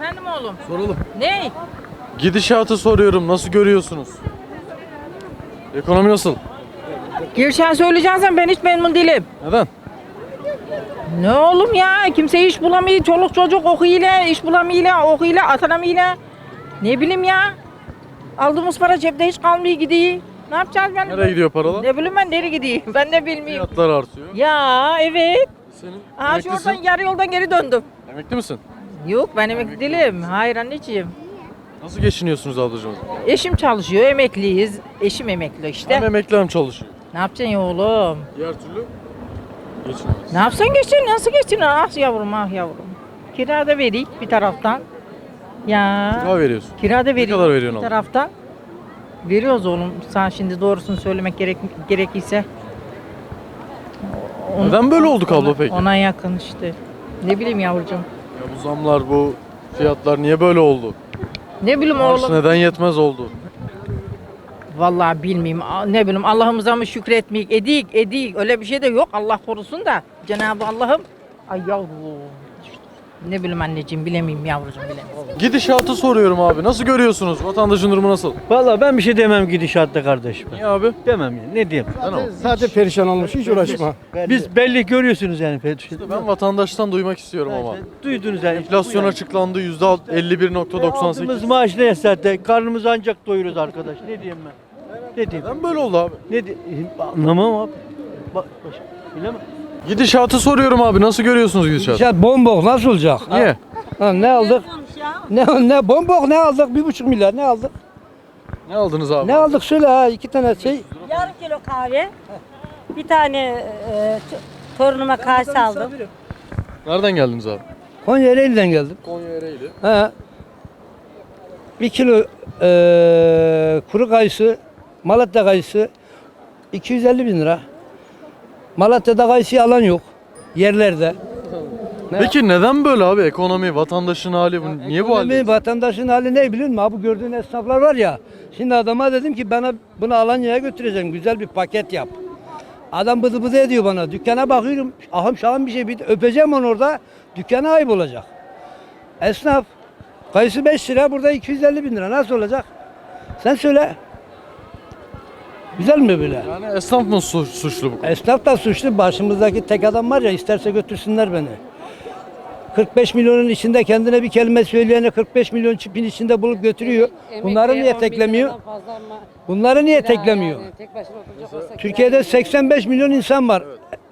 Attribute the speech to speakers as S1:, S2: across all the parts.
S1: Efendim oğlum?
S2: Soralım.
S1: Ne?
S2: Gidişatı soruyorum. Nasıl görüyorsunuz? Ekonomi nasıl?
S1: Girşen söyleyeceksen ben hiç memnun değilim.
S2: Neden?
S1: Ne oğlum ya? Kimse iş bulamıyor. Çoluk çocuk okuyla, iş bulamıyor, okuyla, atanamıyor. Ne bileyim ya? Aldığımız para cepte hiç kalmıyor gidiyor. Ne yapacağız ben?
S2: Nereye gidiyor paralar?
S1: Ne bileyim ben nereye gidiyor? Ben de bilmiyorum.
S2: Fiyatlar artıyor.
S1: Ya evet.
S2: Senin
S1: Aha şu
S2: emeklisin.
S1: oradan yarı yoldan geri döndüm.
S2: Emekli misin?
S1: Yok ben emekli değilim. Hayır anneciğim.
S2: Nasıl geçiniyorsunuz ablacığım?
S1: Eşim çalışıyor, emekliyiz. Eşim emekli işte.
S2: Hem emekli hem çalışıyor.
S1: Ne yapacaksın ya oğlum?
S2: Diğer türlü geçinemez.
S1: Ne yapsan geçsin, nasıl geçsin? Ah yavrum, ah yavrum. Kira da vereyim bir taraftan. Ya.
S2: Kira veriyorsun.
S1: Kira da vereyim
S2: kadar veriyorsun
S1: bir
S2: oğlum?
S1: taraftan. Veriyoruz oğlum. Sen şimdi doğrusunu söylemek gerekirse.
S2: Neden böyle olduk abla peki?
S1: Ona yakın işte. Ne bileyim yavrucuğum.
S2: Ya bu zamlar, bu fiyatlar niye böyle oldu?
S1: Ne bileyim
S2: Maaş
S1: oğlum.
S2: neden yetmez oldu?
S1: Vallahi bilmiyorum. Ne bileyim Allah'ımıza mı şükretmeyik? Edik. Öyle bir şey de yok. Allah korusun da. Cenab-ı Allah'ım. Ay yavrum. Ne bileyim anneciğim bilemiyorum yavrucuğum bilemiyorum.
S2: Gidişatı soruyorum abi. Nasıl görüyorsunuz? Vatandaşın durumu nasıl?
S3: Vallahi ben bir şey demem gidişatta kardeşim.
S2: Niye abi?
S3: Demem ya. Ne diyeyim?
S4: Zaten perişan olmuş, hiç uğraşma.
S3: Biz belli görüyorsunuz yani.
S2: Ben vatandaştan duymak istiyorum ama.
S3: Duydunuz yani.
S2: Enflasyon açıklandı %51.98.
S3: Aldığımız maaş ne zaten? Karnımızı ancak doyuruz arkadaş. Ne diyeyim ben? Ne diyeyim?
S2: Neden böyle oldu abi?
S3: Ne diyeyim? Anlamam abi. Bilemem.
S2: Gidişatı soruyorum abi. Nasıl görüyorsunuz gidişatı?
S4: Ya bombok nasıl olacak?
S2: Niye?
S4: Ha, ne aldık? Ne bombok ne aldık? 1,5 milyar ne aldık?
S2: Ne aldınız abi?
S4: Ne aldık söyle ha, 2 tane şey.
S5: Yarım kilo kahve, bir tane torunuma kase aldım.
S2: Nereden geldiniz abi?
S4: Konya Ereğli'den geldim.
S2: Konya Ereğli.
S4: Ha. 1 kilo kuru kayısı, Malatya kayısı 250 bin lira. Malatya'da kayısı alan yok yerlerde.
S2: Peki neden böyle abi? Ekonomi, vatandaşın hali bu. Niye bu halde?
S4: Vatandaşın hali ne biliyor musun? Ha, bu gördüğün esnaflar var ya. Şimdi adama dedim ki bana bunu Alanya'ya götüreceğim. Güzel bir paket yap. Adam bıdı bıdı ediyor bana. Dükkana bakıyorum. Ahım şahım bir şey. Bir öpeceğim onu orada. Dükkana ayıp olacak. Esnaf. Kayısı 5 lira. Burada 250 bin lira. Nasıl olacak? Sen söyle. Güzel mi böyle?
S2: Yani esnaf mı suçlu bu?
S4: Esnaf da suçlu. Başımızdaki tek adam var ya, isterse götürsünler beni. 45 milyonun içinde kendine bir kelime söyleyene 45 milyon çipin içinde bulup götürüyor. Bunları niye teklemiyor? Bunları niye teklemiyor? Türkiye'de 85 milyon insan var.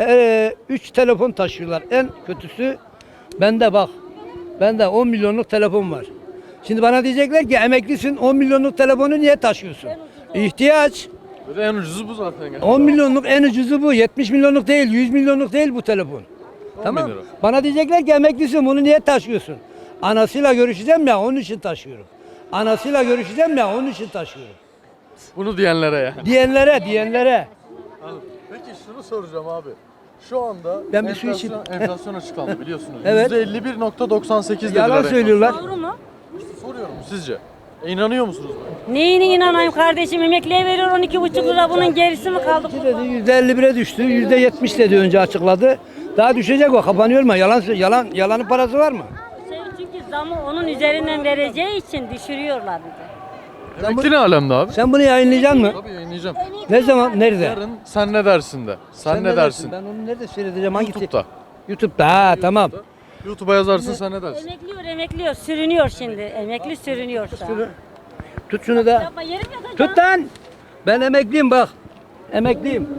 S4: 3 telefon taşıyorlar. En kötüsü bende bak. Bende 10 milyonluk telefon var. Şimdi bana diyecekler ki emeklisin, 10 milyonluk telefonu niye taşıyorsun? İhtiyaç.
S2: Böyle en ucuzu bu zaten.
S4: 10 milyonluk en ucuzu bu. 70 milyonluk değil, 100 milyonluk değil bu telefon. Tamam.
S2: lira.
S4: Bana diyecekler ki emeklisin, bunu niye taşıyorsun? Anasıyla görüşeceğim ya, onun için taşıyorum. Anasıyla görüşeceğim ya, onun için taşıyorum.
S2: Bunu diyenlere ya.
S4: Diyenlere.
S2: Peki şunu soracağım abi. Şu anda
S4: Ben bir su içeyim.
S2: enflasyon açıklandı biliyorsunuz.
S4: Evet.
S2: %51.98 dediler.
S4: Yalan
S2: enflasyon.
S4: söylüyorlar.
S5: Doğru mu?
S2: Soruyorum sizce. İnanıyor musunuz buna?
S5: Neyine inanayım kardeşim? Emekliye veriyor 12,5 lira. Bunun gerisi mi kaldı?
S4: Dedi, %51'e düştü, %70 dedi önce açıkladı. Daha düşecek o, kapanıyor mu? Yalanın parası var mı?
S5: Çünkü zamı onun üzerinden vereceği için düşürüyorlar bizi.
S2: Emekli ne alemde abi?
S4: Sen bunu yayınlayacaksın mı?
S2: Tabii yayınlayacağım.
S4: Ne zaman, nerede?
S2: Yarın sen ne dersin de. Sen ne dersin?
S4: Ben onu nerede seyredeceğim? Hangi
S2: YouTube'da.
S4: YouTube'da, ha tamam.
S2: YouTube'a yazarsın sen ne dersin?
S5: Emekliyor. Sürünüyor şimdi. Emekli sürünüyor şu an.
S4: Tut şunu da.
S5: Yapma, yerim yatacağım.
S4: Tut lan. Ben emekliyim bak. Emekliyim.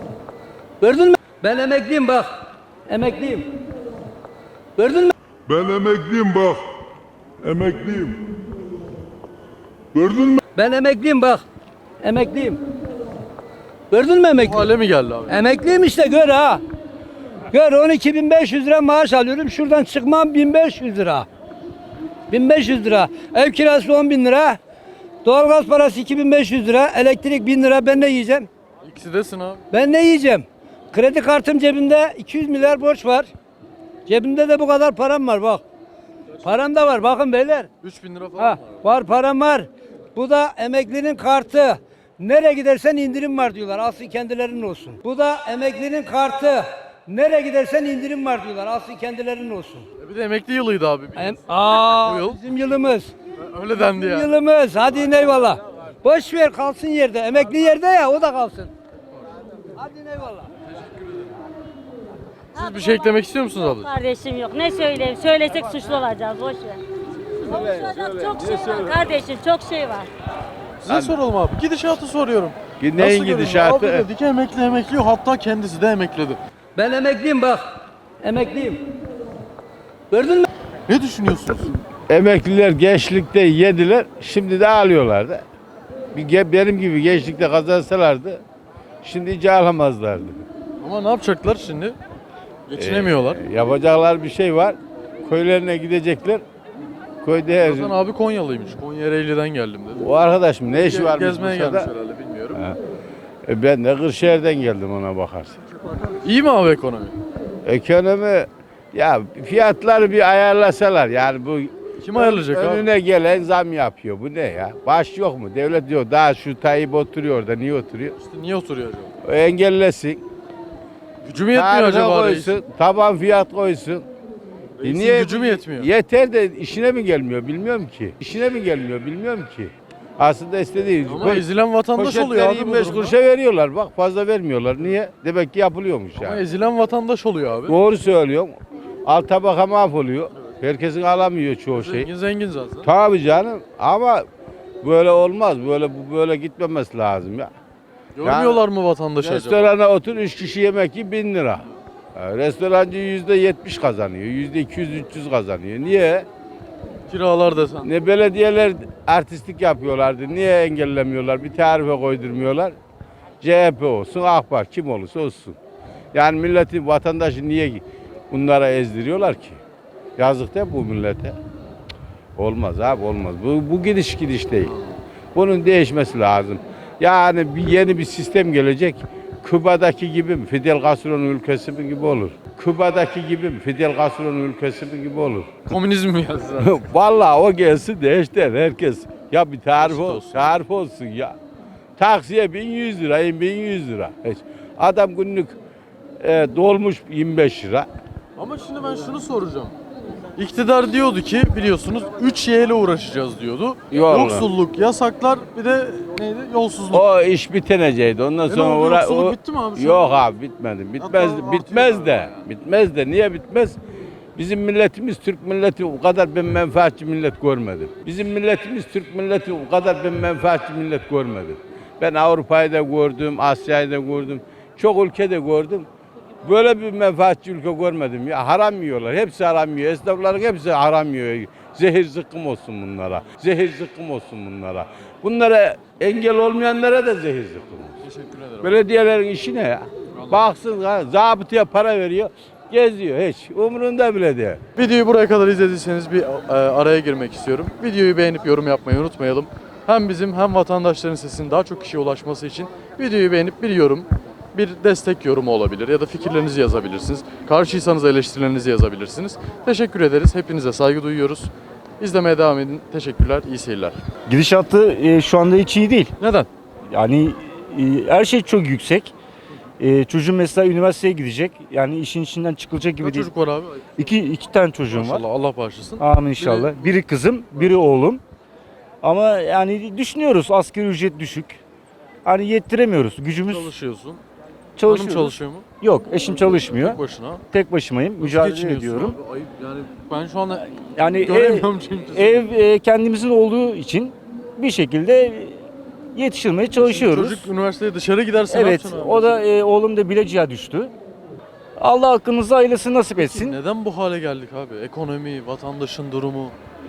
S4: Gördün mü? Ben emekliyim bak. Emekliyim. Gördün mü?
S6: Ben emekliyim bak. Emekliyim. Gördün mü?
S4: Ben emekliyim bak. Emekliyim. Gördün mü
S2: Bu
S4: emekli?
S2: hale mi geldi abi?
S4: Emekliyim işte gör ha. Gör 12.500 lira maaş alıyorum. Şuradan çıkmam 1.500 lira. 1.500 lira. Ev kirası 10.000 lira. Doğalgaz parası 2.500 lira. Elektrik 1.000 lira. Ben ne yiyeceğim?
S2: İkisi desin abi.
S4: Ben ne yiyeceğim? Kredi kartım cebimde 200 milyar borç var. Cebimde de bu kadar param var bak. Param da var bakın beyler.
S2: 3000 lira falan
S4: Ha,
S2: var.
S4: var param var. Bu da emeklinin kartı. Nereye gidersen indirim var diyorlar. Alsın kendilerinin olsun. Bu da emeklinin kartı. Nereye gidersen indirim var diyorlar. Alsın kendilerinin olsun.
S2: Bir de emekli yılıydı abi. Bu yıl.
S4: Bizim yılımız.
S2: Öyle dendi ya.
S4: Yılımız. Hadi eyvallah. Boş ver kalsın yerde. Emekli yerde ya o da kalsın. Hadi eyvallah.
S2: Siz bir şey eklemek istiyor musunuz abla?
S5: Kardeşim yok. Ne söyleyeyim? Söylesek suçlu olacağız. Boş ver. Konuşacak çok şey var kardeşim. Çok şey var.
S2: Size soralım abi. Gidişatı soruyorum.
S7: Neyin
S2: Nasıl görünüyor?
S7: gidişatı?
S2: Abi dedi ki emekli yok. Hatta kendisi de emekledi.
S4: Ben emekliyim bak. Emekliyim. Gördün mü?
S2: Ne düşünüyorsunuz?
S7: Emekliler gençlikte yediler, şimdi de alıyorlar da. Benim gibi gençlikte kazansalardı, şimdi hiç alamazlardı.
S2: Ama ne yapacaklar şimdi? Geçinemiyorlar.
S7: Yapacaklar bir şey var, köylerine gidecekler. Köyde her
S2: Hasan abi Konyalıymış. Konya Ereğli'den geldim dedi.
S7: o arkadaşım ne işi var
S2: Gezmeye gelmiş
S7: Bursa'da?
S2: herhalde bilmiyorum.
S7: Ben de Kırşehir'den geldim ona bakarsın.
S2: İyi mi abi ekonomi?
S7: Ekonomi, ya fiyatları bir ayarlasalar yani bu
S2: Kim ayarlayacak abi?
S7: önüne gelen zam yapıyor. Bu ne ya? Baş yok mu? Devlet diyor daha şu Tayyip oturuyor orada. Niye oturuyor?
S2: İşte niye oturuyor acaba?
S7: O engellesin.
S2: Gücü mü yetmiyor
S7: Tarife
S2: acaba
S7: koysun, taban fiyat koysun.
S2: Reisin gücü mü yetmiyor?
S7: Yeter de işine mi gelmiyor bilmiyorum ki. İşine mi gelmiyor bilmiyorum ki. Aslında istediği
S2: Ama ezilen vatandaş oluyor
S7: poşetleri
S2: abi bu
S7: 25
S2: durumda.
S7: kuruşa veriyorlar. Bak fazla vermiyorlar. Niye? Demek ki yapılıyormuş
S2: Ama
S7: yani.
S2: ezilen vatandaş oluyor abi.
S7: Doğru söylüyorum. Alt tabaka mahvoluyor. Herkesin alamıyor çoğu şey.
S2: Zengin zaten.
S7: Tabii canım ama böyle olmaz. Böyle gitmemesi lazım ya.
S2: Görmüyorlar mı vatandaşı acaba?
S7: Restorana otur 3 kişi yemek yi 1000 lira. Restorancı %70 kazanıyor. %200-300 kazanıyor. Niye?
S2: Kiralar desen.
S7: Ne belediyeler artistlik yapıyorlardı. Niye engellemiyorlar? Bir tarife koydurmuyorlar. CHP olsun, AK Parti kim olursa olsun. Yani milleti, vatandaşı niye bunlara ezdiriyorlar ki? Yazık değil mi bu millete? Olmaz abi olmaz. Bu gidiş değil. Bunun değişmesi lazım. Yani yeni bir sistem gelecek. Küba'daki gibi mi? Fidel Castro'nun ülkesi mi gibi olur? Küba'daki gibi mi? Fidel Castro'nun ülkesi mi gibi olur?
S2: Komünizm mi yazdı?
S7: Vallahi o gelsin de işte herkes. Ya bir tarif
S2: Eşit olsun.
S7: tarif olsun ya. Taksiye 1100 lira, 1100 lira. Adam günlük dolmuş 25 lira.
S2: Ama şimdi ben şunu soracağım. İktidar diyordu ki biliyorsunuz 3 ile uğraşacağız diyordu.
S7: Yok.
S2: Yoksulluk, yasaklar bir de neydi? Yolsuzluk.
S7: O iş bitenecekti. Ondan
S2: ne
S7: sonra
S2: oldu, yoksulluk bitti mi abi şu
S7: Yok
S2: an?
S7: abi bitmedi.
S2: Hatta
S7: Bitmez
S2: artıyor
S7: de.
S2: yani.
S7: Bitmez de. Niye bitmez? Bizim milletimiz Türk milleti o kadar ben menfaatçi millet görmedim. Bizim milletimiz Türk milleti o kadar ben menfaatçi millet görmedim. Ben Avrupa'yı da gördüm, Asya'yı da gördüm. Çok ülkede gördüm. Böyle bir menfaatçi ülke görmedim ya. Haram yiyorlar. Hepsi haram yiyor. Esnafların hepsi haram yiyor. Zehir zıkkım olsun bunlara. Zehir zıkkım olsun bunlara. Bunlara engel olmayanlara da zehir zıkkım olsun.
S2: Teşekkür ederim.
S7: Belediyelerin işi ne ya? Baksın ha, zabıtaya para veriyor. Geziyor hiç. Umurunda bile değil.
S2: Videoyu buraya kadar izlediyseniz bir araya girmek istiyorum. Videoyu beğenip yorum yapmayı unutmayalım. Hem bizim hem vatandaşların sesinin daha çok kişiye ulaşması için videoyu beğenip bir yorum, bir destek yorumu olabilir ya da fikirlerinizi yazabilirsiniz. Karşıysanız eleştirilerinizi yazabilirsiniz. Teşekkür ederiz. Hepinize saygı duyuyoruz. İzlemeye devam edin. Teşekkürler. İyi seyirler.
S8: Gidişatı şu anda hiç iyi değil.
S2: Neden?
S8: Yani her şey çok yüksek. Çocuğum mesela üniversiteye gidecek. Yani işin içinden çıkılacak gibi
S2: Kaç
S8: değil.
S2: çocuk var abi?
S8: İki tane çocuğum var.
S2: Maşallah Allah bağışlasın.
S8: Amin inşallah. Biri kızım, biri oğlum. Ama yani düşünüyoruz asgari ücret düşük. Hani yettiremiyoruz. Gücümüz
S2: Çalışıyorsun. Hanım
S8: çalışıyoruz.
S2: çalışıyor mu?
S8: Yok, eşim çalışmıyor.
S2: Tek başına.
S8: Tek başımayım.
S2: Nasıl
S8: Mücadele
S2: geçiniyorsun
S8: ediyorum.
S2: abi? Ayıp yani ben şu anda
S8: Yani
S2: göremiyorum çünkü.
S8: ev kendimizin olduğu için bir şekilde yetiştirmeye çalışıyoruz.
S2: Çocuk üniversiteye dışarı giderse ne
S8: Evet,
S2: yapacaksın abi?
S8: o da oğlum da Bilecik'e düştü. Allah hakkınızı hayırlısı nasip etsin.
S2: Neden bu hale geldik abi? Ekonomi, vatandaşın durumu.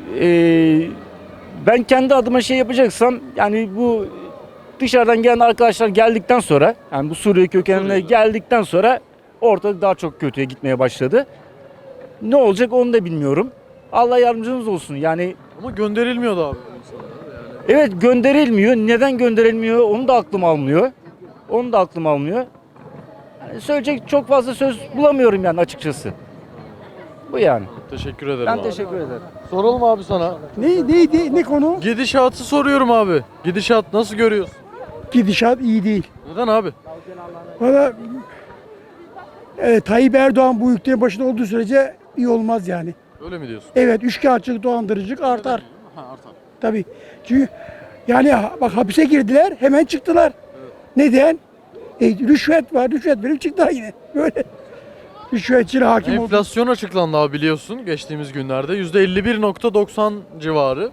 S8: Ben kendi adıma şey yapacaksam, yani bu dışarıdan gelen arkadaşlar geldikten sonra, yani bu Suriye kökenine
S2: Suriyeliler.
S8: geldikten sonra ortalık daha çok kötüye gitmeye başladı. Ne olacak onu da bilmiyorum. Allah yardımcınız olsun. Yani
S2: Ama gönderilmiyordu abi.
S8: evet, gönderilmiyor. Neden gönderilmiyor onu da aklım almıyor. Onu da aklım almıyor. Yani söyleyecek çok fazla söz bulamıyorum yani açıkçası. Bu yani.
S2: Teşekkür ederim
S8: Ben
S2: abi.
S8: teşekkür ederim.
S2: Soralım abi sana.
S9: Ne konu?
S2: Gidişatı soruyorum abi. Gidişat nasıl görüyorsun?
S9: Gidişat iyi değil.
S2: Neden abi?
S9: Valla Tayyip Erdoğan bu ülkenin başında olduğu sürece iyi olmaz yani.
S2: Öyle mi diyorsun?
S9: Evet, üçkağıtçılık, dolandırıcılık artar.
S2: Ha, artar.
S9: Tabii. Çünkü yani bak hapise girdiler, hemen çıktılar. Neden? Rüşvet var, rüşvet verip çıktılar yine. Böyle. Rüşvetçili hakim oldu.
S2: Enflasyon açıklandı abi biliyorsun geçtiğimiz günlerde. %51.90 civarı.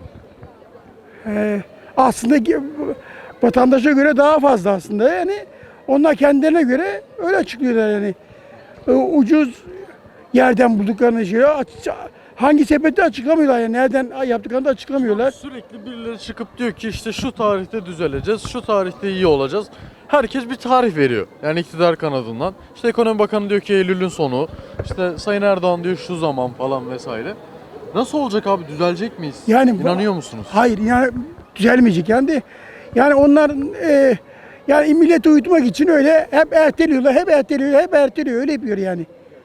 S9: Aslında vatandaşa göre daha fazla aslında yani. Onlar kendilerine göre öyle açıklıyorlar yani. Ucuz yerden bulduklarını hangi sepette açıklamıyorlar yani. Nereden yaptıklarını da açıklamıyorlar.
S2: Sürekli birileri çıkıp diyor ki işte şu tarihte düzeleceğiz, şu tarihte iyi olacağız. Herkes bir tarih veriyor. Yani iktidar kanadından. İşte Ekonomi Bakanı diyor ki Eylül'ün sonu. İşte Sayın Erdoğan diyor şu zaman falan vesaire. Nasıl olacak abi? Düzelecek miyiz?
S9: Yani
S2: İnanıyor musunuz?
S9: Hayır yani düzelmeyecek yani. Yani onlar yani milleti uyutmak için öyle hep erteliyorlar, hep erteliyor, hep erteliyor. Öyle yapıyor yani.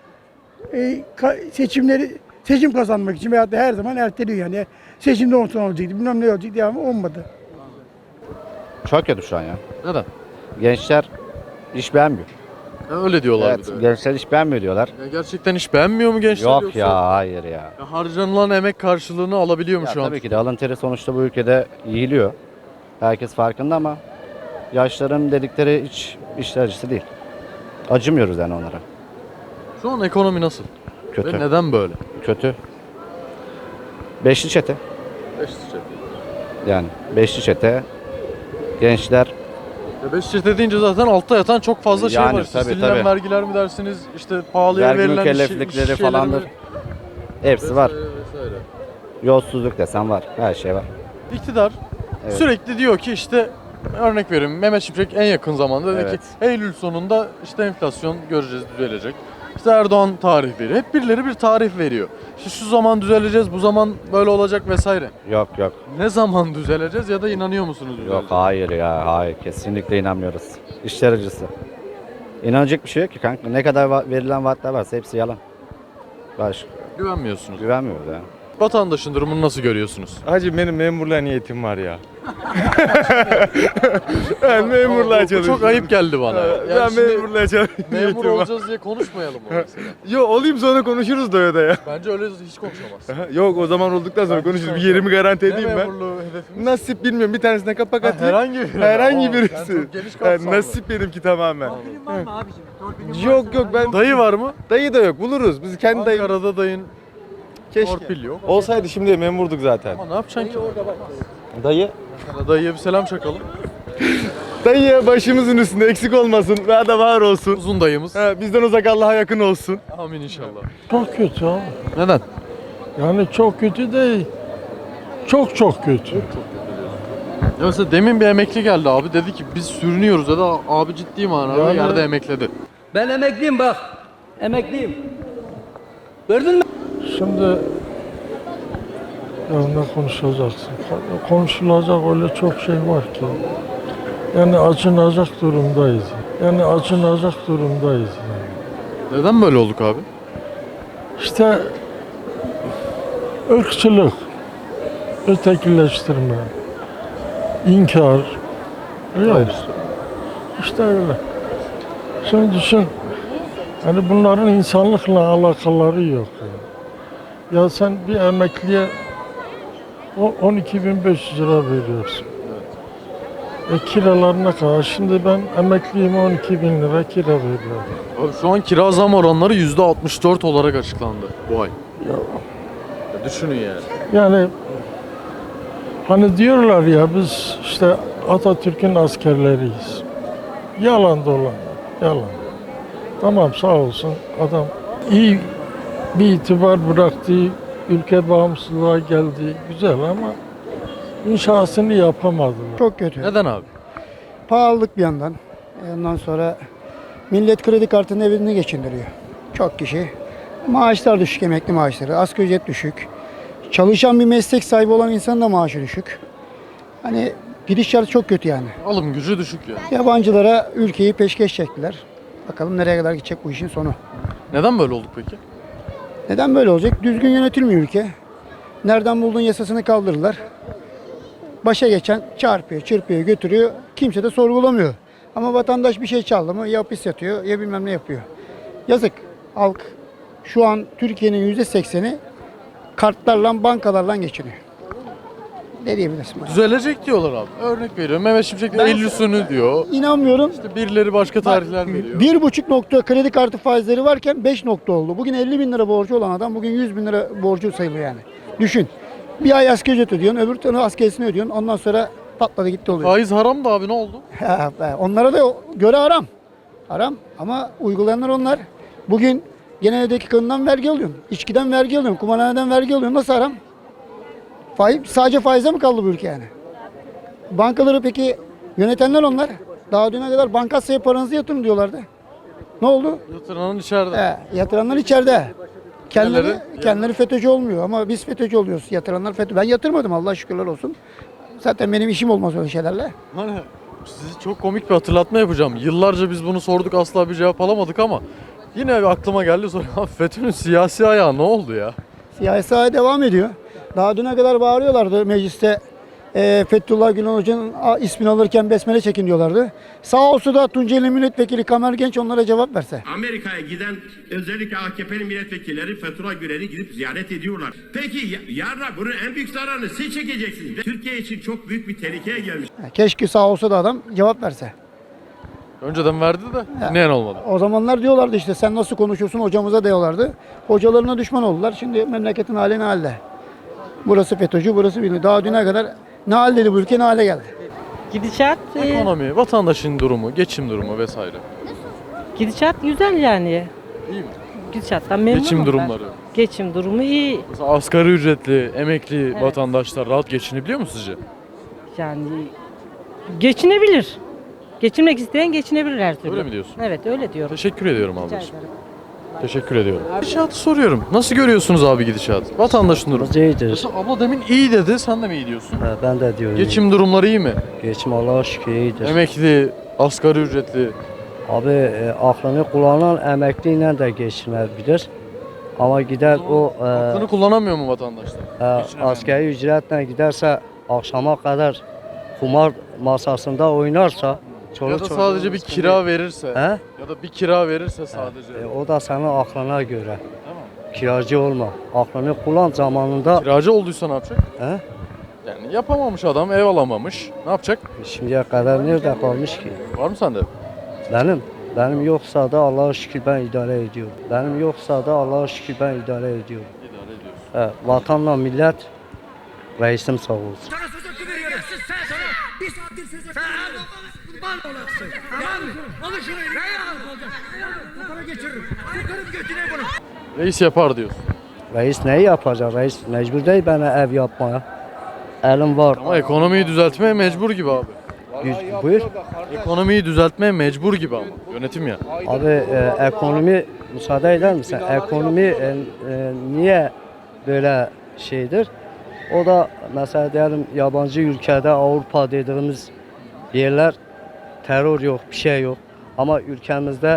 S9: Seçim kazanmak için veyahut da her zaman erteliyor yani. Seçimde olsun olacaktı, bilmem ne olacak diye ama olmadı.
S10: Çok kötü şu an ya.
S2: Neden?
S10: Gençler iş beğenmiyor.
S2: Öyle diyorlar
S10: Evet,
S2: bir de.
S10: gençler iş beğenmiyor diyorlar.
S2: Ya gerçekten hiç beğenmiyor mu gençler
S10: Yok
S2: yoksa?
S10: ya, hayır ya.
S2: Ya harcanılan emek karşılığını alabiliyor mu
S10: Ya
S2: şu an?
S10: tabii ki de alın teri sonuçta bu ülkede yiyiliyor. Herkes farkında ama yaşların dedikleri hiç işler acısı değil. Acımıyoruz yani onlara.
S2: Şu an ekonomi nasıl?
S10: Kötü.
S2: Ve neden böyle?
S10: Kötü. Beşli çete. Yani beşli çete. Gençler
S2: Beş çete deyince zaten altta yatan çok fazla şey
S10: Yani
S2: var. İşte
S10: tabii,
S2: silinen
S10: tabii.
S2: vergiler mi dersiniz? İşte pahalıya
S10: vergi
S2: verilen
S10: mükelleflikleri
S2: şeyler
S10: falandır.
S2: mi?
S10: Hepsi var.
S2: Vesaire.
S10: Yolsuzluk desen var. Her şey var.
S2: İktidar
S10: Evet.
S2: sürekli diyor ki işte örnek vereyim Mehmet Şimşek en yakın zamanda dedi
S10: Evet.
S2: ki Eylül sonunda işte enflasyon göreceğiz düzelecek. İşte Erdoğan tarih veriyor. Hep birileri bir tarih veriyor. İşte şu zaman düzeleceğiz, bu zaman böyle olacak vesaire.
S10: Yok yok.
S2: Ne zaman düzeleceğiz ya da inanıyor musunuz
S10: Yok
S2: düzeleceğiz?
S10: hayır ya, hayır, kesinlikle inanmıyoruz. İşler acısı. İnanacak bir şey yok ki kanka. Ne kadar verilen vaatler varsa hepsi yalan. Başka
S2: Güvenmiyorsunuz.
S10: güvenmiyoruz ya.
S2: Vatandaşın durumunu nasıl görüyorsunuz?
S11: Hacı benim memurluğa niyetim var ya. Ben memurluğa
S2: Bu
S11: çalışıyorum.
S2: çok ayıp geldi bana. Yani
S11: Ben
S2: şimdi
S11: memurluğa çalışıyorum.
S2: memur olacağız diye konuşmayalım mı mesela?
S11: Yo olayım sonra konuşuruz da ya.
S2: Bence öyle hiç konuşamaz.
S11: Yok o zaman olduktan sonra
S2: Ben
S11: konuşuruz. Bir
S2: hiç
S11: yerimi garanti
S2: Ne
S11: edeyim ben.
S2: memurluğu hedefimiz?
S11: Nasip bilmiyorum bir tanesine kapak
S2: Ha,
S11: atayım.
S2: herhangi biri.
S11: Herhangi
S2: Aa, sen
S11: birisi.
S2: çok geniş kapsamlı.
S11: Nasip benimki tamamen. Yok yok ben
S2: Dayı var mı?
S11: dayı da yok buluruz. Biz kendi dayı
S2: Ankara'da dayın
S11: keşke.
S2: torpil yok.
S11: Olsaydı şimdi memurduk zaten.
S2: Ama ne yapacaksın ki?
S11: Dayı.
S2: Dayıya bir selam çakalım.
S11: Dayı başımızın üstünde eksik olmasın. Daha da var olsun.
S2: Uzun dayımız.
S11: Bizden uzak Allah'a yakın olsun.
S2: Amin inşallah.
S12: Çok kötü abi.
S2: Neden?
S12: Yani çok kötü değil. Çok çok kötü.
S2: Ya mesela demin bir emekli geldi abi dedi ki biz sürünüyoruz dedi. Abi ciddi manada
S12: Yani-
S2: yerde emekledi.
S4: Ben emekliyim bak. Emekliyim. Gördün mü?
S12: Şimdi ya ne konuşacaksın? Konuşulacak öyle çok şey var ki. Yani acınacak durumdayız. Yani acınacak durumdayız. Yani.
S2: Neden böyle olduk abi?
S12: İşte ırkçılık, ötekileştirme, inkar. Yok. İşte öyle. Şimdi düşün, hani bunların insanlıkla alakaları yok. Ya sen bir emekliye 12.500 lira veriyorsun. Kiralar ne kadar? Şimdi ben emekliyim 12.000 lira kira veriyorum.
S2: Abi şu an kira zam oranları %64 olarak açıklandı bu ay.
S12: Ya,
S2: Ya düşünün yani.
S12: yani hani diyorlar ya biz işte Atatürk'ün askerleriyiz. Yalan dolan, yalan. Tamam sağ olsun adam iyi bir itibar bıraktı, ülke bağımsızlığa geldi güzel ama inşasını yapamadılar.
S9: Çok kötü.
S2: Neden abi?
S9: Pahalılık bir yandan. Ondan sonra millet kredi kartının evini geçindiriyor. Çok kişi. Maaşlar düşük, emekli maaşları. Asgari ücret düşük. Çalışan bir meslek sahibi olan insanın da maaşı düşük. Hani gidişat çok kötü yani.
S2: Alım gücü düşük yani.
S9: Yabancılara ülkeyi peşkeş çektiler. Bakalım nereye kadar gidecek bu işin sonu.
S2: Neden böyle olduk peki?
S9: Neden böyle olacak? Düzgün yönetilmiyor ülke. Nereden bulduğun yasasını kaldırırlar. Başa geçen çarpıyor, çırpıyor, götürüyor. Kimse de sorgulamıyor. Ama vatandaş bir şey çaldı mı ya hapis yatıyor ya bilmem ne yapıyor. Yazık. Halk şu an Türkiye'nin %80'i kartlarla, bankalarla geçiniyor. Ne diyebilirsin?
S2: Düzelecek diyorlar abi. Örnek veriyorum. Mehmet Şimşek de Eylül sonu diyor.
S9: İnanmıyorum.
S2: İşte birileri başka tarihler veriyor.
S9: 1,5 nokta kredi kartı faizleri varken 5 nokta oldu. Bugün 50 bin lira borcu olan adam bugün 100 bin lira borcu sayılıyor yani. Düşün. Bir ay asgari ücret ödüyorsun, öbür türlü askerisini ödüyorsun. Ondan sonra patladı gitti oluyor.
S2: Faiz haram da abi, ne oldu?
S9: Onlara da göre haram. Haram ama uygulayanlar onlar. Bugün genel evdeki kadından vergi alıyorsun. İçkiden vergi alıyorsun. Kumarhaneden vergi alıyorsun. Nasıl haram? Sadece faize mi kaldı bu ülke yani? Bankaları peki yönetenler onlar. Daha düne kadar bankasaya paranızı yatırın diyorlardı. Ne oldu?
S2: Yatıranın içeride.
S9: Yatıranlar içeride.
S2: Diğerleri-
S9: Kendileri FETÖ'cü olmuyor ama biz FETÖ'cü oluyoruz. Yatıranlar FETÖ. Ben yatırmadım, Allah şükürler olsun. Zaten benim işim olmaz öyle şeylerle.
S2: Hani size çok komik bir hatırlatma yapacağım. Yıllarca biz bunu sorduk, asla bir cevap alamadık ama yine aklıma geldi sonra. FETÖ'nün siyasi ayağı ne oldu ya?
S9: Siyasi saha devam ediyor. Daha düne kadar bağırıyorlardı mecliste. Fethullah Gülen Hoca'nın ismini alırken besmele çekin diyorlardı. Sağ olsa da Tunceli Milletvekili Kamer Genç onlara cevap verse.
S13: Amerika'ya giden özellikle AKP'li milletvekilleri Fethullah Gülen'i gidip ziyaret ediyorlar. Peki yarın bunun en büyük zararını siz çekeceksiniz. Türkiye için çok büyük bir tehlikeye gelmiş.
S9: Keşke sağ olsa da adam cevap verse.
S2: Önceden verdi de dinleyen olmadı.
S9: O zamanlar diyorlardı işte sen nasıl konuşuyorsun hocamıza diyorlardı. Hocalarına düşman oldular. Şimdi memleketin hali ne halde? Burası FETÖ'cü, burası bilmiyor. Daha düne kadar ne haldeydi bu ülke, ne hale geldi?
S14: Gidişat
S2: Ekonomi, vatandaşın durumu, geçim durumu vesaire.
S14: gidişat güzel yani.
S2: İyi mi?
S14: Gidişattan memnunum
S2: Geçim
S14: ben.
S2: durumları.
S14: Geçim durumu iyi.
S2: Mesela asgari ücretli, emekli
S14: Evet.
S2: vatandaşlar rahat geçinebiliyor mu sizce?
S14: Yani geçinebilir. Geçinmek isteyen geçinebilir her türlü.
S2: Öyle mi diyorsun?
S14: Evet öyle diyorum.
S2: Teşekkür ediyorum
S14: Rica
S2: ablacığım.
S14: ederim.
S2: Teşekkür ediyorum. Gidişatı soruyorum. Nasıl görüyorsunuz abi gidişatı? Vatandaşın durumu.
S3: İyidir.
S2: Mesela abla demin iyi dedi, sen de mi iyi diyorsun?
S3: Ben de diyorum.
S2: Geçim durumları iyi mi?
S3: Geçim Allah'a şükür iyidir.
S2: Emekli, asgari ücretli.
S3: Abi aklını kullanan emekliyle de geçinebilir. Ama gider o
S2: Aklını kullanamıyor mu vatandaşlar?
S3: asgari ücretle giderse akşama kadar kumar masasında oynarsa
S2: Ya da sadece bir kira verirse.
S3: He?
S2: Ya da bir kira verirse sadece.
S3: O da senin aklına göre. Kiracı olma. Aklını kullan zamanında.
S2: Kiracı olduysa ne yapacak?
S3: He?
S2: Yani yapamamış adam, ev alamamış. Ne yapacak?
S3: Şimdiye kadar nerede kalmış ki?
S2: Var mı sende?
S3: Benim yoksa da Allah'a şükür ben idare ediyorum. Benim yoksa da Allah'a şükür ben idare ediyorum.
S2: İdare ediyorsun.
S3: Vatanla millet reisim sağ olsun.
S2: Reis yapar diyorsun.
S3: Reis neyi yapacak? Reis mecbur değil bana ev yapmaya. Elim var.
S2: Ama ekonomiyi düzeltmeye mecbur gibi abi.
S3: Buyur.
S2: Ekonomiyi düzeltmeye mecbur gibi ama. Yönetim ya.
S3: Abi ekonomi müsaade eder misin? Ekonomi niye böyle şeydir? O da mesela diyelim yabancı ülkede Avrupa dediğimiz yerler terör yok, bir şey yok. Ama ülkemizde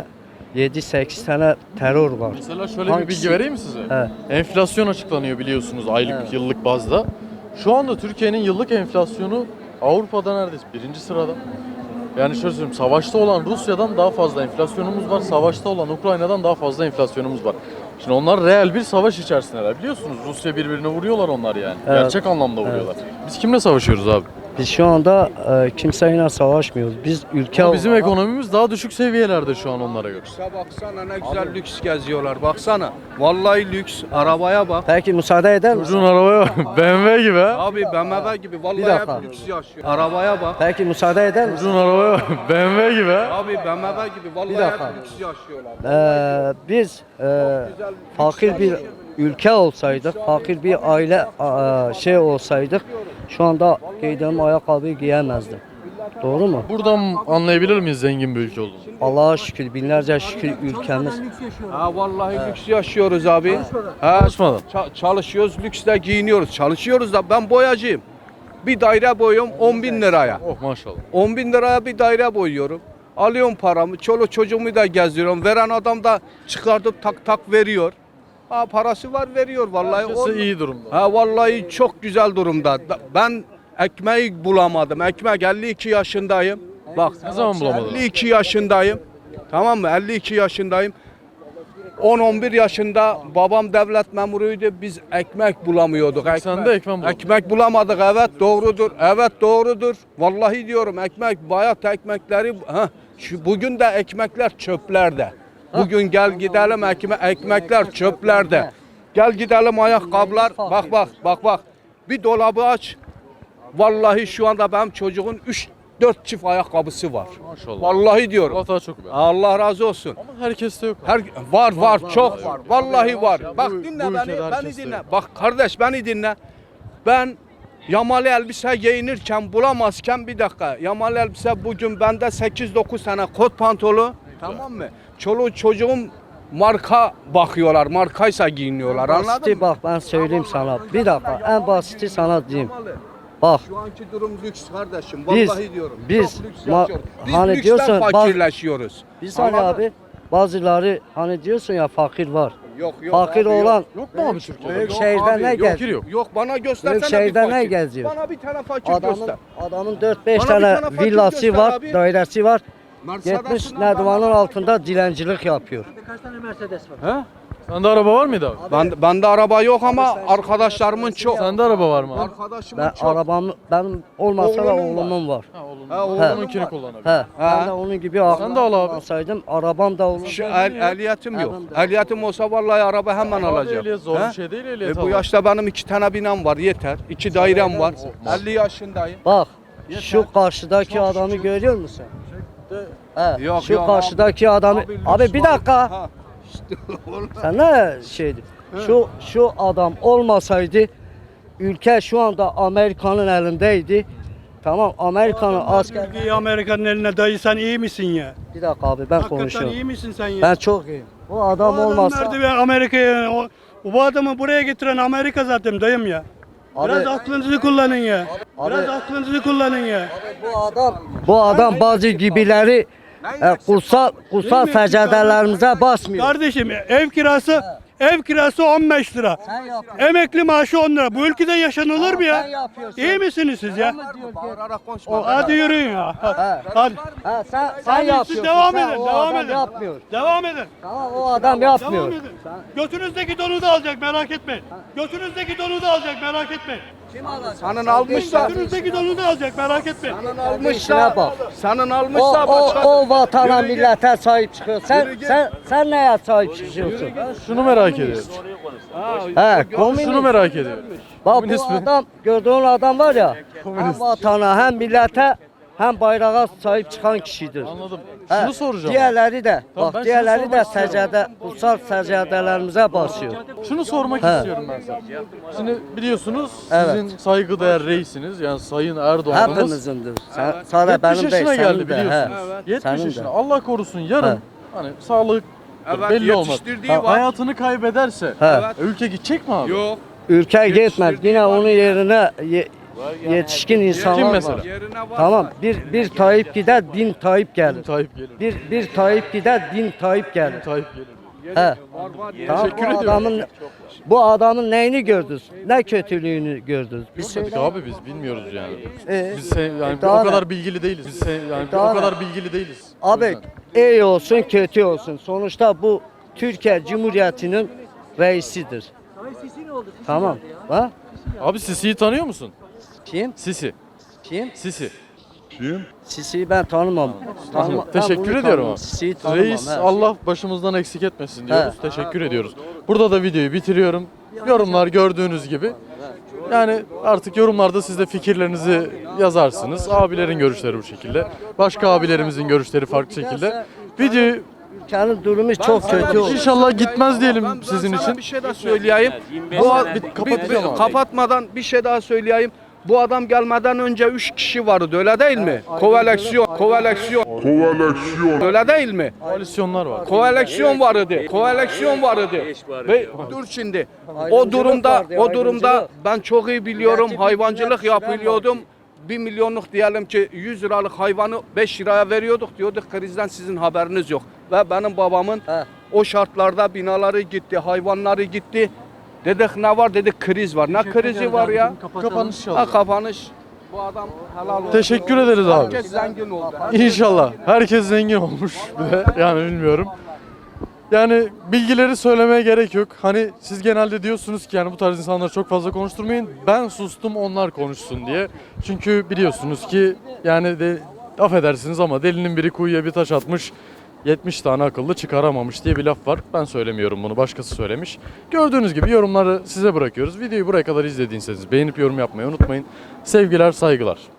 S3: 7-8 tane terör var.
S2: Mesela şöyle bir bilgi vereyim mi size?
S3: He.
S2: Enflasyon açıklanıyor biliyorsunuz aylık, yıllık bazda. Şu anda Türkiye'nin yıllık enflasyonu Avrupa'da neredeyse birinci sırada. Yani şöyle söyleyeyim, savaşta olan Rusya'dan daha fazla enflasyonumuz var, savaşta olan Ukrayna'dan daha fazla enflasyonumuz var. Şimdi onlar reel bir savaş içerisindeler. Biliyorsunuz Rusya birbirine vuruyorlar onlar yani.
S3: Evet.
S2: Gerçek anlamda vuruyorlar. Biz kimle savaşıyoruz abi?
S3: Biz şu anda kimseyle savaşmıyoruz. Biz ülke
S2: Ama bizim
S3: olarak-
S2: ekonomimiz daha düşük seviyelerde şu an onlara göre.
S11: Baksana ne güzel lüks geziyorlar baksana. Vallahi lüks arabaya bak.
S3: Peki müsaade eder misin?
S2: Çocuğun arabaya bak, BMW gibi ha.
S11: Abi BMW gibi vallahi
S3: dakika.
S11: hep lüks yaşıyor. Arabaya bak.
S3: Peki müsaade eder misin?
S2: Çocuğun arabaya bak, BMW gibi ha.
S11: Abi BMW gibi
S3: Bir
S11: vallahi
S3: dakika.
S11: hep lüks yaşıyorlar.
S3: Biz fakir bir ülke olsaydık, fakir bir aile şey olsaydık şu anda giydiğim ayakkabıyı giyemezdim. Doğru mu?
S2: Buradan anlayabilir miyiz zengin bir ülke olduğunu?
S3: Allah'a şükür, binlerce şükür ülkemiz.
S11: Ha vallahi lüks yaşıyoruz abi. Ha,
S2: Çalışmadan.
S11: çalışıyoruz, lüksle giyiniyoruz. Çalışıyoruz da ben boyacıyım. Bir daire boyuyorum 10 bin liraya.
S2: Oh maşallah.
S11: 10 bin liraya bir daire boyuyorum. Alıyorum paramı, çoluk çocuğumu da gezdiriyorum. Veren adam da çıkartıp tak tak veriyor. Ha parası var veriyor vallahi.
S2: Herkesi iyi durumda.
S11: Ha vallahi çok güzel durumda. Ben ekmeği bulamadım. Ekmek 52 yaşındayım. Bak
S2: Ne zaman bulamadın?
S11: 52 yaşındayım. Tamam mı? 52 yaşındayım. 10-11 yaşında babam devlet memuruydu. Biz ekmek bulamıyorduk.
S2: Sen de ekmek bulamadın.
S11: Ekmek bulamadık. Evet doğrudur. Evet doğrudur. Vallahi diyorum ekmek, bayat ekmekleri. Bugün de ekmekler çöplerde. Bugün gel gidelim ekmekler çöplerde. Gel gidelim ayakkabılar. Bak. Bir dolabı aç. Vallahi şu anda benim çocuğun 3-4 çift ayakkabısı var.
S2: Maşallah.
S11: Vallahi diyorum.
S2: Allah daha çok ver.
S11: Allah razı olsun.
S2: Ama herkeste yok.
S11: Var çok var. Vallahi var. Bak
S2: Bu
S11: dinle
S2: ülkede
S11: beni
S2: herkeste
S11: dinle.
S2: yok.
S11: Bak kardeş beni dinle. Ben yamalı elbise giyinirken bulamazken bir dakika. Yamalı elbise bugün bende 8-9 tane kot pantolu. Tamam mı? Çoluğu çocuğum marka bakıyorlar. Markaysa giyiniyorlar. Anladın
S3: Basiti
S11: mı?
S3: bak ben söyleyeyim sana. Bir dakika en basiti sana diyeyim. Bak
S11: Şu anki durum lüks kardeşim.
S3: Biz-
S11: Vallahi diyorum.
S3: biz
S11: Çok lüks
S3: ma-
S11: yaşıyoruz. Biz
S3: hani
S11: lüksten
S3: diyorsun,
S11: fakirleşiyoruz.
S3: biz hani
S11: Anladın?
S3: abi bazıları hani diyorsun ya fakir var.
S11: Yok
S3: Fakir
S11: abi,
S3: olan
S2: Yok mu abi Türkiye'de?
S3: büyük
S11: Yok
S3: şehirde
S11: abi,
S3: ne
S11: yok,
S3: geziyor?
S2: yok.
S11: Yok bana göstersene
S3: Büyük
S11: bir
S3: şehirde
S11: fakir.
S3: ne geziyor?
S11: Bana bir tane fakir göster.
S3: Adamın 4-5
S11: Bana bir
S3: tane
S11: tane fakir
S3: villası
S11: göster
S3: var,
S11: abi.
S3: dairesi var.
S11: Mercedes'inden
S3: Gitmiş
S11: bana-
S3: Nedvan'ın altında dilencilik yapıyor.
S11: He?
S2: Sende araba var mıydı abi?
S11: Bende araba yok ama arkadaşlarımın çok.
S2: Sende araba var mı abi?
S11: Arkadaşımın
S3: Ben
S11: çok.
S3: benim olmasa da
S11: Oğlunun var.
S3: oğlumun var.
S2: Oğlununkini kullanabilir.
S3: Ben de onun gibi
S2: Sen de al abi.
S3: alsaydım arabam da olur.
S11: Şu ehliyetim yok. Ehliyetim olsa vallahi araba hemen alacağım.
S2: Ehliyet zor
S11: He?
S2: bir şey değil ehliyet
S11: Bu
S2: almak.
S11: yaşta benim 2 tane binam var yeter. 2 dairem var. 50 yaşındayım.
S3: Bak şu karşıdaki adamı görüyor musun? He,
S11: Yok,
S3: şu
S11: yok,
S3: karşıdaki adamı. Abi
S11: lüks
S3: bir
S11: var.
S3: dakika.
S11: Ha.
S3: Sen ne şeydi? Şu adam olmasaydı ülke şu anda Amerika'nın elindeydi. Tamam Amerika'nın asker.
S15: Ülkeyi Amerika'nın eline dayı sen iyi misin ya?
S3: Bir dakika abi ben
S15: Hakikaten
S3: konuşuyorum.
S15: iyi misin sen ya?
S3: Ben çok iyiyim. Bu adam olmasa.
S15: Nerede be Amerika'ya? Bu adamı buraya getiren Amerika zaten dayım ya.
S3: Abi-
S15: Biraz aklınızı kullanın ya. Biraz
S3: Abi-
S15: aklınızı kullanın ya.
S3: Bu adam bazı gibileri kutsal secdelerimize basmıyor.
S15: Kardeşim ev kirası 15 lira. Emekli maaşı 10 lira. Bu ülkede yaşanılır mı ya? İyi misiniz siz ya?
S11: Bağırarak konuşma.
S15: Hadi yürüyün ya. Hadi.
S3: Sen
S15: Hadi
S3: yapıyorsun.
S15: siz devam
S3: Sen-
S15: edin,
S3: o
S15: devam
S3: adam
S15: edin.
S3: yapmıyor.
S15: Devam edin.
S3: Tamam o adam
S15: Devam
S3: yapmıyor.
S15: edin. Götünüzdeki donu da alacak merak etmeyin. Götünüzdeki donu da alacak merak etmeyin.
S11: Senin almışsa.
S15: Götünüzdeki donu da alacak merak etmeyin.
S11: Senin
S3: İşine
S11: almışsa.
S3: bak.
S11: Senin almışsa başka.
S3: O vatana
S11: Yürü git.
S3: millete sahip çıkıyor. Sen neye sahip çıkıyorsun?
S2: Şunu merak ediyorum.
S3: Komünist.
S2: Şunu merak ediyorum.
S3: Bak
S2: Komünist
S3: bu
S2: mi?
S3: adam gördüğün adam var ya hem vatana hem millete hem bayrağa sahip çıkan kişidir.
S2: Anladım.
S3: He,
S2: Şunu soracağım.
S3: Diğerleri de
S2: Tamam, ben
S3: bak
S2: şunu
S3: diğerleri de
S2: sormak istiyorum.
S3: kutsal secdelerimize basıyor.
S2: Şunu sormak
S3: He.
S2: istiyorum ben sana. Şimdi biliyorsunuz
S3: Evet.
S2: sizin saygıdeğer reisiniz yani Sayın Erdoğan'ımız.
S3: Hepimizindir. Sadece
S2: 70
S3: benim değil
S2: yaşına
S3: senin
S2: geldi
S3: de.
S2: biliyorsunuz.
S3: He.
S2: 70
S3: Senin de.
S2: yaşına. Allah korusun yarın
S3: He.
S2: hani sağlık
S11: Evet,
S2: belli olmaz.
S11: yetiştirdiği
S2: Ha,
S11: var.
S2: hayatını kaybederse
S3: He.
S2: ülke gidecek mi abi?
S11: Yok.
S3: Ülke gitmez. Yine onun yerine yetişkin insanlar
S2: Kim
S3: var.
S2: mesela?
S11: Yerine var.
S3: Tamam bir Tayyip gider bin Tayyip gelir.
S2: Tayyip gelir.
S3: Bir Tayyip gider bin Tayyip gelir.
S2: Tayyip gelir.
S3: He. Tamam,
S2: Teşekkür ediyorum.
S3: bu adamın neyini gördünüz? Ne kötülüğünü gördünüz? Biz
S2: Görmedik abi biz bilmiyoruz yani. Biz yani
S3: daha
S2: o
S3: ne?
S2: kadar bilgili değiliz. Biz yani
S3: Daha
S2: o
S3: ne?
S2: kadar bilgili değiliz. O
S3: Abi
S2: yüzden.
S3: iyi olsun kötü olsun. Sonuçta bu Türkiye Cumhuriyeti'nin reisidir. Tamam. Ha?
S2: Abi Sisi'yi tanıyor musun?
S3: Kim?
S2: Sisi.
S3: Kim?
S2: Sisi.
S3: Sisi'yi ben tanımam. Ben
S2: Teşekkür
S3: bunu
S2: ediyorum
S3: tanımam.
S2: abi.
S3: Sisi'yi tanımam.
S2: Reis
S3: he.
S2: Allah başımızdan eksik etmesin diyoruz. Teşekkür ediyoruz. Burada da videoyu bitiriyorum. Yorumlar gördüğünüz gibi. Yani artık yorumlarda siz de fikirlerinizi yazarsınız. Abilerin görüşleri bu şekilde. Başka abilerimizin görüşleri farklı şekilde. Videoyu
S3: Ülkenin durumu çok kötü oldu.
S2: inşallah gitmez diyelim sizin
S11: Sana
S2: için.
S11: bir şey daha söyleyeyim.
S2: kapatacağım abi.
S11: Kapatmadan bir şey daha söyleyeyim. Bu adam gelmeden önce 3 kişi vardı öyle değil mi? Koaleksiyon. Öyle değil mi?
S2: Koalisyonlar var.
S11: Koaleksiyon vardı. Koaleksiyon vardı. Ve dur şimdi. O durumda ben çok iyi biliyorum. Hayvancılık yapıyordum. 1 milyonluk diyelim ki 100 liralık hayvanı 5 liraya veriyorduk diyorduk krizden sizin haberiniz yok. Ve benim babamın o şartlarda binaları gitti, hayvanları gitti. Dedik ne var dedik kriz var. Ne krizi var ya?
S2: Kapanış
S11: Ha
S2: oldu.
S11: kapanış. Bu adam helal olsun.
S2: Teşekkür ederiz abi.
S11: Herkes zengin oldu.
S2: İnşallah. Herkes zengin olmuş bir de. Yani bilmiyorum. Yani bilgileri söylemeye gerek yok. Hani siz genelde diyorsunuz ki yani bu tarz insanları çok fazla konuşturmayın. Ben sustum onlar konuşsun diye. Çünkü biliyorsunuz ki yani de affedersiniz ama delinin biri kuyuya bir taş atmış. 70 tane akıllı çıkaramamış diye bir laf var. Ben söylemiyorum bunu, başkası söylemiş. Gördüğünüz gibi yorumları size bırakıyoruz. Videoyu buraya kadar izlediyseniz beğenip yorum yapmayı unutmayın. Sevgiler, saygılar.